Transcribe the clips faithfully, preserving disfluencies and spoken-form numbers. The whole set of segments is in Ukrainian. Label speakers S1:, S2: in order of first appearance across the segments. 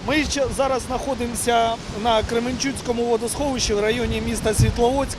S1: Ми зараз знаходимося на Кременчуцькому водосховищі в районі міста Світловодськ,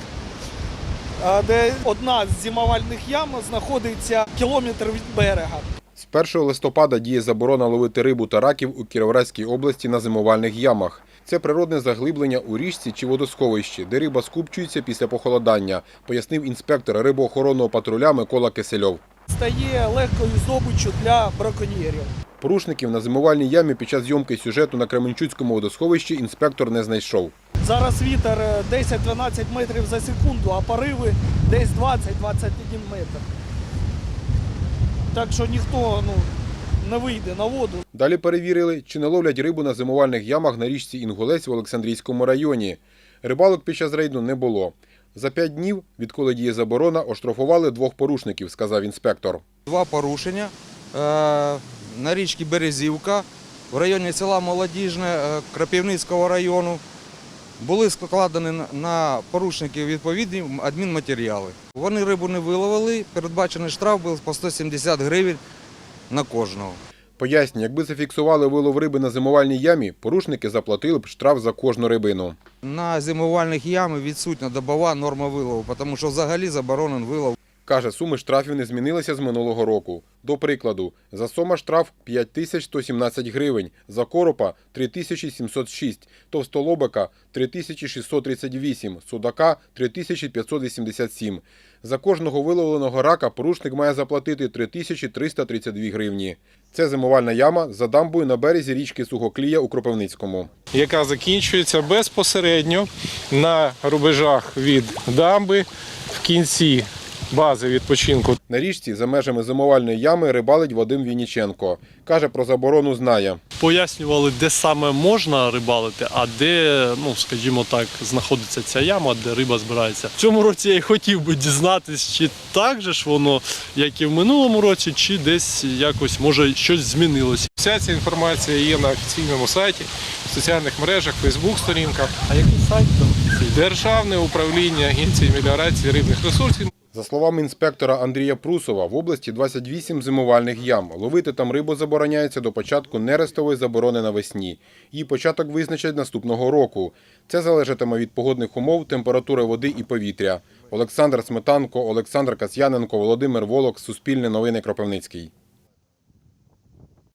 S1: де одна з зимувальних ям знаходиться кілометр від берега.
S2: З першого листопада діє заборона ловити рибу та раків у Кіровоградській області на зимувальних ямах. Це природне заглиблення у річці чи водосховищі, де риба скупчується після похолодання, пояснив інспектор рибоохоронного патруля Микола Кисельов.
S1: Стає легкою здобиччю для браконьєрів.
S2: Порушників на зимувальній ямі під час зйомки сюжету на Кременчуцькому водосховищі інспектор не знайшов.
S1: Зараз вітер десять-дванадцять метрів за секунду, а пориви десь двадцять-двадцять один метр. Так що ніхто ну, не вийде на воду.
S2: Далі перевірили, чи не ловлять рибу на зимувальних ямах на річці Інгулець в Олександрійському районі. Рибалок під час рейду не було. За п'ять днів, відколи діє заборона, оштрафували двох порушників, сказав інспектор.
S3: Два порушення на річці Березівка в районі села Молодіжне Крапивницького району. Були складені на порушників відповідні адмінматеріали. Вони рибу не виловили, передбачений штраф був по сто сімдесят гривень на кожного.
S2: Пояснює, якби зафіксували вилов риби на зимувальній ямі, порушники заплатили б штраф за кожну рибину.
S3: На зимувальних ямах відсутня добова норма вилову, тому що взагалі заборонений вилов.
S2: Каже, суми штрафів не змінилися з минулого року. До прикладу, за сома штраф п'ять тисяч сто сімнадцять гривень, за коропа – три тисячі сімсот шість, товстолобика – три тисячі шістсот тридцять вісім, судака – три тисячі п'ятсот вісімдесят сім. За кожного виловленого рака порушник має заплатити три тисячі триста тридцять дві гривні. Це зимувальна яма за дамбою на березі річки Сухоклія у Кропивницькому.
S4: Яка закінчується безпосередньо на рубежах від дамби в кінці бази відпочинку.
S2: На річці за межами зимувальної ями рибалить Вадим Вінніченко. Каже, про заборону знає.
S5: Пояснювали, де саме можна рибалити, а де, ну, скажімо так, знаходиться ця яма, де риба збирається. В цьому році я й хотів би дізнатися, чи так же ж воно, як і в минулому році, чи десь якось, може, щось змінилося.
S4: Вся ця інформація є на офіційному сайті, в соціальних мережах, фейсбук-сторінках.
S5: А який сайт там?
S4: Державне управління Агенції меліорації рибних ресурсів.
S2: За словами інспектора Андрія Прусова, в області двадцять вісім зимувальних ям. Ловити там рибу забороняється до початку нерестової заборони навесні. Її початок визначать наступного року. Це залежатиме від погодних умов, температури води і повітря. Олександр Сметанко, Олександр Касьяненко, Володимир Волок, Суспільне новини, Кропивницький.